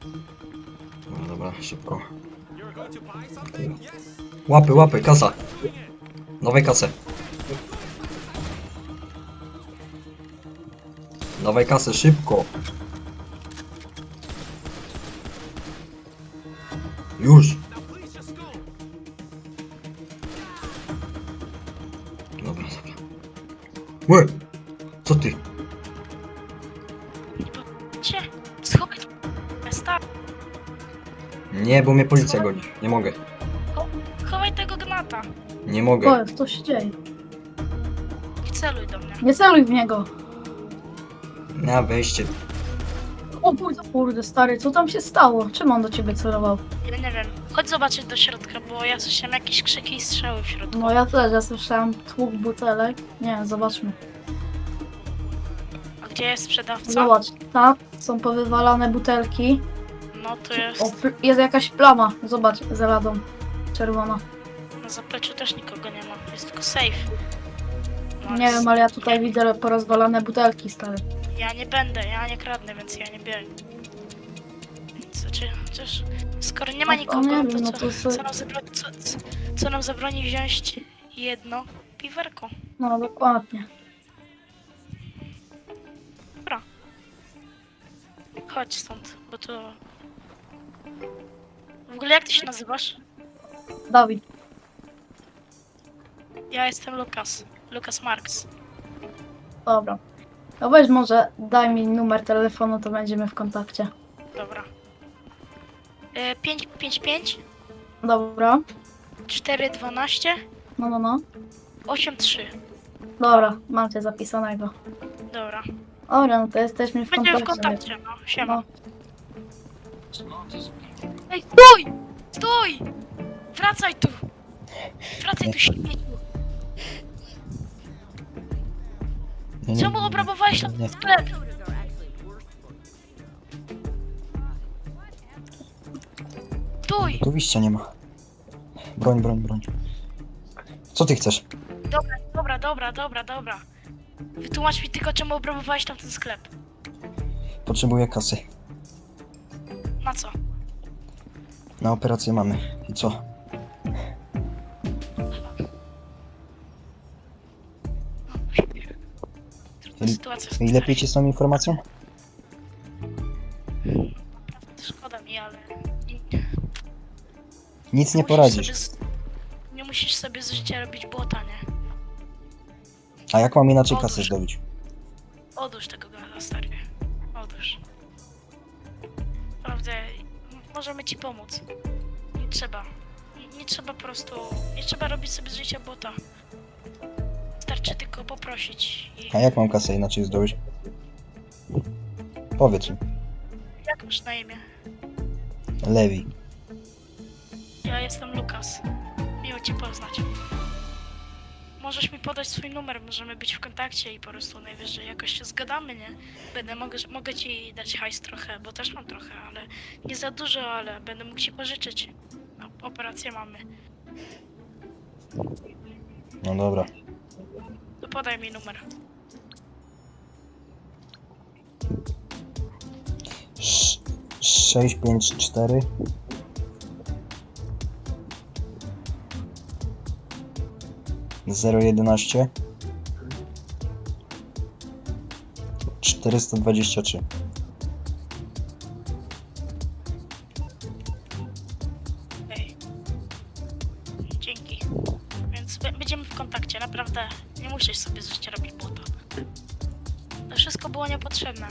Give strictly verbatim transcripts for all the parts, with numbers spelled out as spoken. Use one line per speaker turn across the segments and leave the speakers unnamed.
Dobra, dobra, szybko. Łapy, łapy, kasa. Dawaj kasę. Dawaj kasę, szybko. Już. Dobra, dobra. Łe! Co ty?
Cie, schowaj stary.
Nie, bo mnie policja goni. Nie mogę.
Chowaj tego gnata.
Nie mogę.
O, co się dzieje?
I celuj do mnie.
Nie celuj w niego.
Na wejście.
O kurde, kurde, stary, co tam się stało? Czym on do ciebie celował?
Ja nie wiem. Chodź zobaczyć do środka, bo ja słyszałem jakieś krzyki i strzały w środku.
No ja też, ja słyszałem tłuk butelek. Nie, zobaczmy.
A gdzie jest sprzedawca?
Zobacz, tam są powywalane butelki.
No to
O,
jest.
pl- jest jakaś plama. Zobacz, za ladą. Czerwona.
Na zapleczu też nikogo nie ma. Jest tylko safe. No,
Nie
jest-
wiem, ale ja tutaj widzę porozwalane butelki, stary.
Ja nie będę, ja nie kradnę, więc ja nie biorę. Znaczy, chociaż skoro nie ma
No to
nikogo,
nie
to,
wiem, no
co,
to sobie-
co, nam zabroni, co, co, co nam zabroni wziąć jedno piwerko?
No, dokładnie.
Dobra. Chodź stąd, bo to... W ogóle jak ty się nazywasz?
Dawid,
Ja jestem Lukas. Lukas Marks.
dobra. No weź może, daj mi numer telefonu, to będziemy w kontakcie.
Dobra. E, pięć pięć pięć,
Dobra.
cztery dwanaście,
No, no, no.
osiem trzy.
Dobra, mam cię zapisanego.
Dobra.
Dobra, no to jesteśmy w
Będziemy w
kontakcie.
kontakcie, no. Siema.
No.
Ej, stój! Stój! Wracaj tu! Wracaj tu, śmieciu!
Nie, nie,
Czemu obrabowałeś
nie,
ten
nie.
sklep? Stój!
Tu wyjścia nie ma. Broń, broń, broń. Co ty chcesz?
Dobra, dobra, dobra, dobra, dobra. Wytłumacz mi tylko, czemu obrabowałeś tam ten sklep.
Potrzebuję kasy.
Na co?
Na operację mamy. I co?
Trudna sytuacja.
I lepiej ci z tą informacją?
Szkoda mi, ale...
Nic nie
musisz
poradzisz.
sobie z- Nie musisz sobie z życia robić błota, nie?
A jak mam inaczej
Otóż.
kasę zdobyć?
Odłóż tego gada, stary. Odłóż. Naprawdę, m- możemy ci pomóc. Nie trzeba. Nie, nie trzeba po prostu... Nie trzeba robić sobie z życia błota. Wystarczy tylko poprosić i...
A jak mam kasę inaczej zdobyć? Powiedz mi.
Jak masz na imię?
Lewi.
Ja jestem Lukas. Miło cię poznać. Możesz mi podać swój numer, możemy być w kontakcie i po prostu najwyżej jakoś się zgadamy, nie? Będę, mogę, mogę ci dać hajs trochę, bo też mam trochę, ale nie za dużo, ale będę mógł ci pożyczyć. No, operację mamy.
No dobra.
To podaj mi numer.
Sz- sześć pięć cztery zero jedenaście czterysta dwadzieścia trzy.
Ej. Dzięki. Więc b- będziemy w kontakcie, naprawdę. Nie musisz sobie z życia robić błota. To wszystko było niepotrzebne.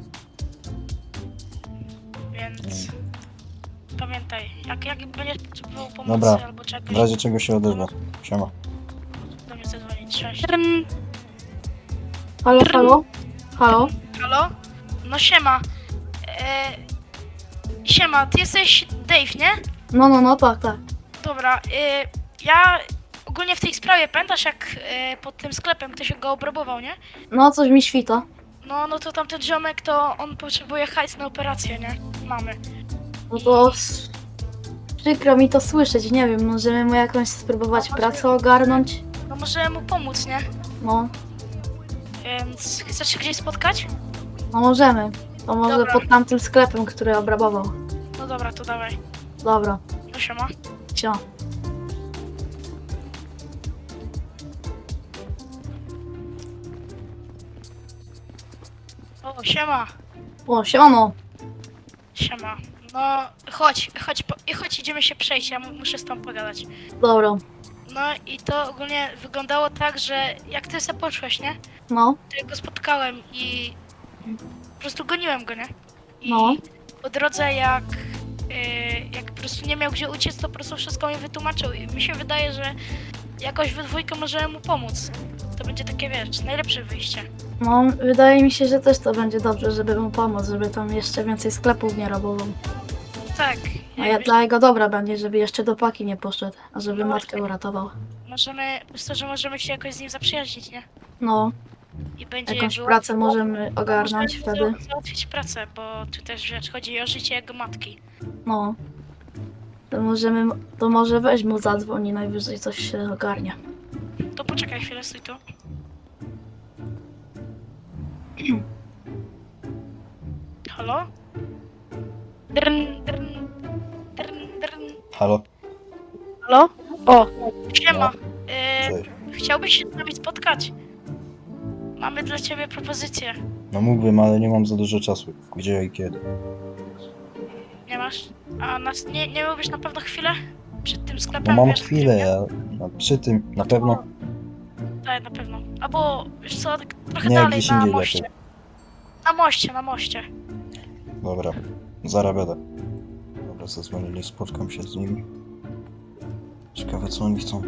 Więc... Pamiętaj, jak, jak będziesz potrzebował pomocy
Dobra,
albo
W
czegoś,
razie czego się odezwę. Siema.
do mnie zadzwonić. Cześć.
Halo, halo? Halo?
Halo? No siema. E, siema, ty jesteś Dave, nie?
No, no, no, tak, tak.
Dobra, e, ja ogólnie w tej sprawie, pamiętasz jak e, pod tym sklepem ktoś go obrabował, nie?
No, coś mi świta.
No, no to tamten ziomek, to on potrzebuje hajs na operację, nie? Mamy.
No to s- przykro mi to słyszeć, nie wiem, możemy mu jakąś spróbować pracę ogarnąć?
No może mu pomóc, nie?
No,
Więc chcesz się gdzieś spotkać?
no możemy. To może
Dobra.
pod tamtym sklepem, który obrabował.
No dobra, to dawaj.
Dobra,
No siema.
cio.
O, siema.
O, siano.
Siema. No, chodź, chodź, po, i chodź, idziemy się przejść, ja mu- muszę z tobą pogadać.
Dobra,
No i to ogólnie wyglądało tak, że jak ty se poszłeś, nie?
no,
To ja go spotkałem i po prostu goniłem go, nie? I
No.
po drodze jak, yy, jak po prostu nie miał gdzie uciec, to po prostu wszystko mi wytłumaczył i mi się wydaje, że jakoś we dwójkę możemy mu pomóc. To będzie takie, wiesz, najlepsze wyjście.
no, wydaje mi się, że też to będzie dobrze, żeby mu pomóc, żeby tam jeszcze więcej sklepów nie robował.
Tak.
A
jak
ja
wiesz,
dla jego dobra będzie, żeby jeszcze do paki nie poszedł, a żeby
No
matkę
właśnie.
uratował.
możemy, myślę, że możemy się jakoś z nim zaprzyjaźnić, nie?
No,
I będzie
jakąś
jego-
pracę możemy ogarnąć
możemy
wtedy.
za- załatwić pracę, bo tu też, wiesz, chodzi o życie jego matki.
No. To możemy, to może weź mu zadzwoni, najwyżej coś się ogarnie.
To poczekaj chwilę, stój tu. Halo? Drn, drn, drn, drn.
Halo?
Halo? O, siema.
No.
E,
Cześć.
chciałbyś się z nami spotkać? Mamy dla ciebie propozycję.
No mógłbym, ale nie mam za dużo czasu. Gdzie i kiedy?
Nie masz? A nas nie, nie miałbyś na pewno chwilę? Przed tym
No
sklepem?
mam
wiesz,
chwilę,
nie?
ja no, przy tym na pewno.
Tak, na pewno. Albo, wiesz co, tak trochę
Nie,
dalej
gdzieś
na
indziej
moście.
lepiej.
Na moście, na moście.
Dobra, zaraz będę. Dobra, zadzwonili, spotkam się z nimi. Ciekawe co oni chcą.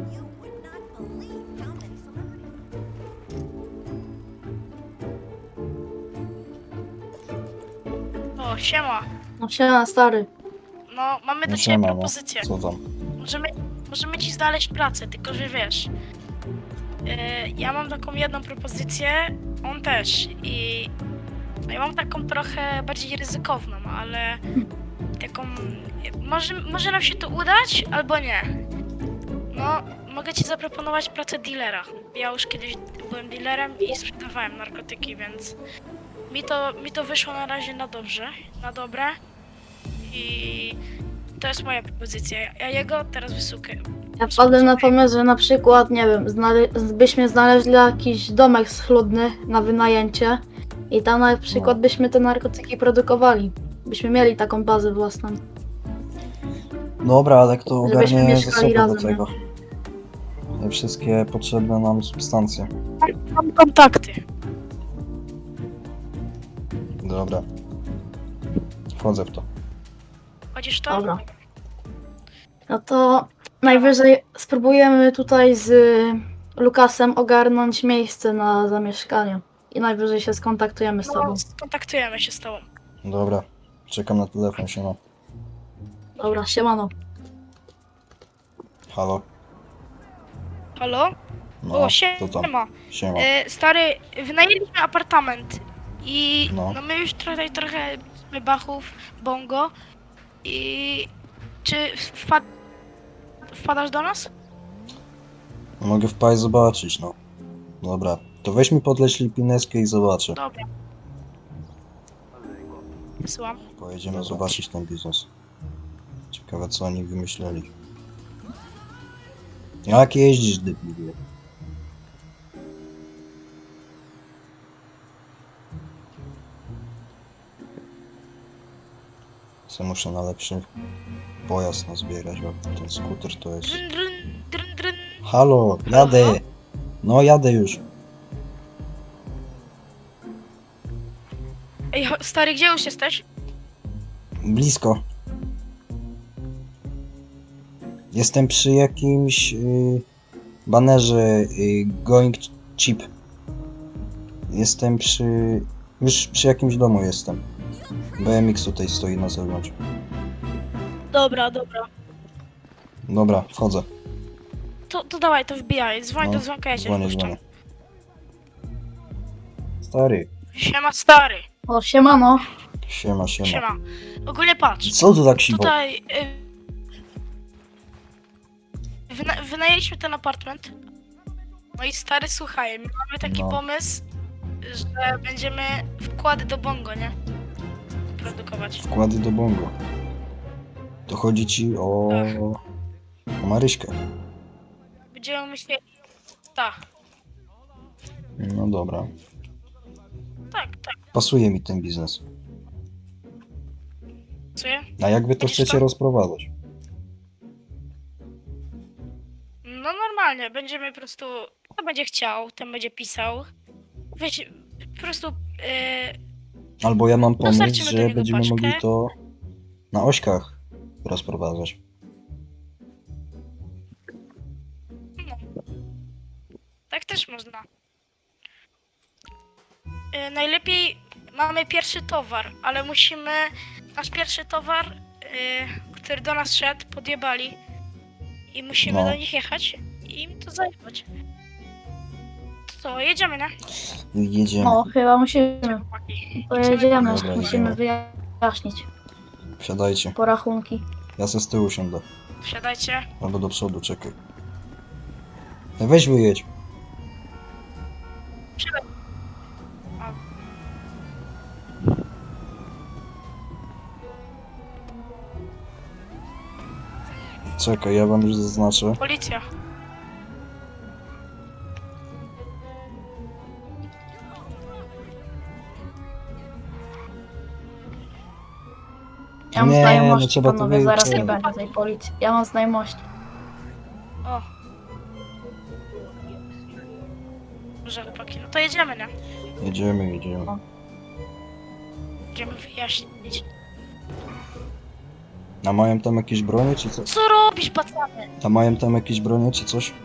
O, siema.
No siema, stary.
No, mamy do
No
ciebie
siema, no.
propozycję.
Co tam?
Możemy, możemy ci znaleźć pracę, tylko że wiesz. e, ja mam taką jedną propozycję, on też. I ja mam taką trochę bardziej ryzykowną, ale taką. Może, może nam się to udać, albo nie. No, mogę ci zaproponować pracę dealera. Ja już kiedyś byłem dealerem i sprzedawałem narkotyki, więc mi to, mi to wyszło na razie na dobrze, na dobre. I to jest moja propozycja. Ja jego teraz wysłuchaj.
Ja wpadłem na pomysł, że na przykład, nie wiem, znale- byśmy znaleźli jakiś domek schludny na wynajęcie i tam na przykład
No.
byśmy te narkotyki produkowali. Byśmy mieli taką bazę własną.
Dobra, ale kto
Żebyśmy
ogarnie
mieszkali
zasoby do
razem,
tego? Te wszystkie potrzebne nam substancje.
Mam kontakty.
Dobra. Wchodzę w to.
Chodzisz to?
Dobra. No to najwyżej spróbujemy tutaj z Lukasem ogarnąć miejsce na zamieszkanie. I najwyżej się skontaktujemy z tobą.
No, skontaktujemy się z tobą.
Dobra. Czekam na telefon, siema.
Dobra, siemano.
Halo?
Halo?
No,
o,
to tam.
siema.
Siema.
E, stary, wynajęliśmy apartament i
No.
no. my już tutaj trochę mamy bachów, bongo i czy wpad... wpadasz do nas?
Mogę wpaść zobaczyć, no. Dobra. To weź mi podleć lipineskę i zobaczę.
Dobra. Wysyłam.
Pojedziemy zobaczyć ten biznes. Ciekawe co oni wymyśleli. Jak jeździsz, debilu? Co muszę na lepszy pojazd nazbierać, bo ten skuter to jest...
Dryn, dryn, dryn, dryn.
Halo, jadę! No jadę już.
Ej, cho- stary, gdzie już jesteś?
Blisko. Jestem przy jakimś y, banerze y, Going Cheap. Jestem przy... Już przy jakimś domu jestem. B M X tutaj stoi na zewnątrz.
Dobra, dobra.
Dobra, wchodzę.
To, to dawaj, to wbijaj. Dzwoń
No,
do dzwonka, ja cię
Dzwonię,
wpuszczam.
dzwonię. Stary,
Siema, stary.
O, siemano.
siema, siema.
Siema. Ogólnie patrz.
Co tu tak siwo?
Tutaj y, wyna wynajęliśmy ten apartament. No i stary, słuchaj, mamy taki
No.
pomysł, że będziemy wkłady do bongo, nie? produkować.
Wkłady do bongo. To chodzi ci o... o Maryśkę.
Będziemy myśleli... Tak,
No dobra.
tak, tak.
Pasuje mi ten biznes.
Pasuje?
A jak wy to
Będziesz
chcecie
tam?
rozprowadzać?
No normalnie, będziemy po prostu... Kto będzie chciał, ten będzie pisał. Wiecie, po prostu... Yy,
Albo ja mam pomysł,
Dostarczymy do
że
niego
będziemy
paczkę.
mogli to na ośkach rozprowadzać.
no. Tak też można. Yy, najlepiej mamy pierwszy towar, ale musimy... Nasz pierwszy towar, yy, który do nas szedł, podjebali. I musimy
No.
do nich jechać i im to zajmować. To co, jedziemy, nie?
Jedziemy.
No, chyba musimy.
Chłopaki.
Pojedziemy,
Dobra,
musimy
jedziemy.
wyjaśnić
Wsiadajcie.
porachunki.
Ja se z tyłu siądę.
Wsiadajcie.
Albo do przodu, czekaj. E, Weź wyjedź. Czekaj, ja wam już zaznaczę.
Policja.
Ja mam
Nie, no
znajomości,
trzeba to
panowie, zaraz nie
wyjaśnić.
będzie tej policji. Ja mam znajomości.
O. Dobrze, chłopaki. No to jedziemy, nie?
Jedziemy, jedziemy.
Będziemy wyjaśnić.
A mają tam jakieś bronie, czy co?
Co robisz, pacany?
A mają tam jakieś bronie, czy coś?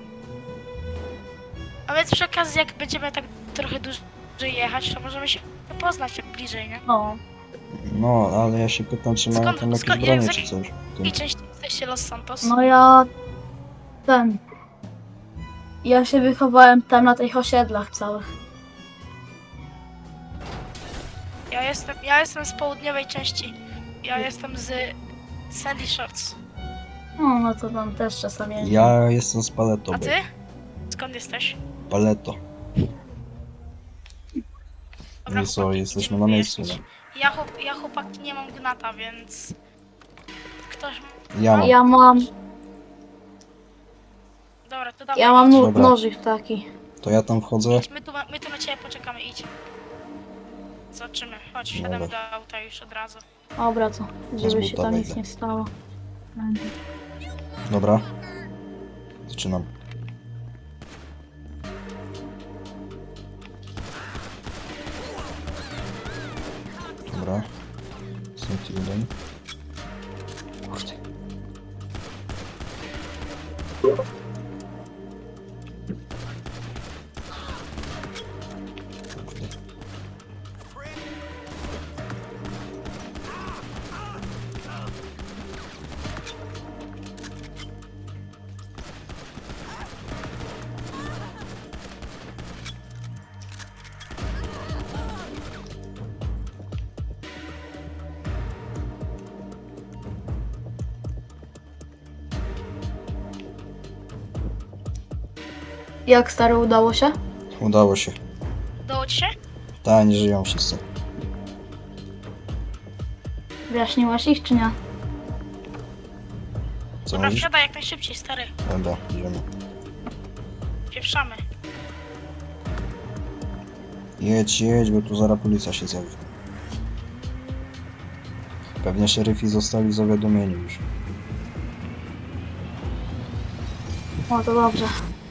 A więc przy okazji, jak będziemy tak trochę dłużej jechać, to możemy się poznać tak bliżej, nie?
No,
No, ale ja się pytam, czy mają
Skąd-
tam jakieś
skąd-
bronie,
jak-
czy coś. Tym.
I częściej jesteście Los Santos.
no ja... Ten... Ja się wychowałem tam na tych osiedlach całych.
Ja jestem, ja jestem z południowej części. Ja jestem z Sandy Shorts.
No, no to tam też czasami jeździ.
Ja jestem z Paleto.
A
bo-
ty? Skąd jesteś?
Paleto.
Dobra,
I co,
chłopaki,
jesteśmy
idziemy
na miejscu,
wyjaśnić. Ja, chłop, ja chłopaki nie mam gnata, więc... Ktoś...
Ja mam.
Ja mam...
Dobra, to dawaj.
Ja mam
idź.
no,
Dobra.
nożyk taki.
To ja tam wchodzę.
Idź, my tu, my tu na ciebie poczekamy, idź. Zobaczymy. Chodź, wsiadamy do
Dobra.
auta już od razu.
Dobra, to. Żeby się
buta
tam nic
wejdę.
nie stało.
Dobra. Zaczynam. Dobra. Safety jeden. Kurde. Kurde.
Jak stary udało się?
Udało się.
Udało ci się?
Ta, nie żyją wszyscy.
Wyjaśniłaś ich czy nie?
Co
Dobra,
mówisz?
wsiadaj jak najszybciej, stary.
Dobra, idziemy.
Pieprzamy.
Jedź, jedź, bo tu zaraz policja się zjawi. Pewnie szeryfi zostali zawiadomieni już.
O, to dobrze.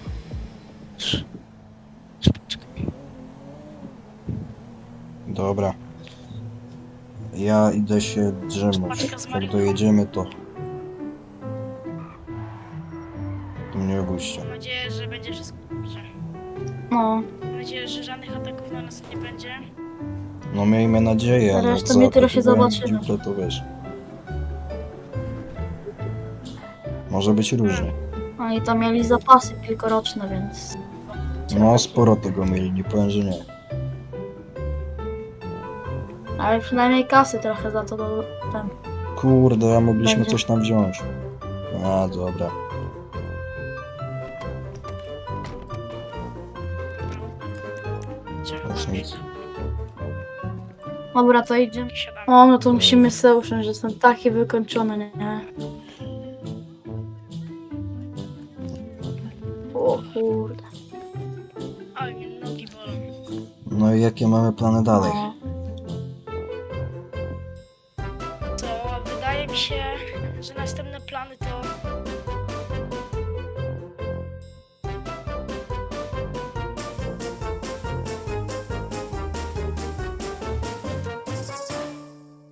Dobra. Ja idę się drzemnąć.
Paczka z
Jak
marihuaną.
dojedziemy, to... To mnie obuście.
Mam nadzieję, że będzie wszystko dobrze.
No,
Mam nadzieję, że żadnych ataków na nas nie będzie.
No miejmy nadzieję, ale
Zresztą
jak
jutro się
zaatakują
zobaczymy.
dziuplę, to wiesz. Może być różnie.
oni tam mieli zapasy kilkoroczne, więc...
No sporo tego mieli, nie powiem, że nie.
Ale przynajmniej kasy trochę za to do... ten.
Kurde, a mogliśmy
Będzie.
coś tam wziąć. A, dobra.
Cię
Już nic.
Dobra, to idziemy.
Siadamy.
O, no to musimy sobie usiąść, że jestem taki wykończony, nie? O kurde.
Ale mnie nogi bolą.
No i jakie mamy plany dalej?
No.
To wydaje mi się, że następne plany to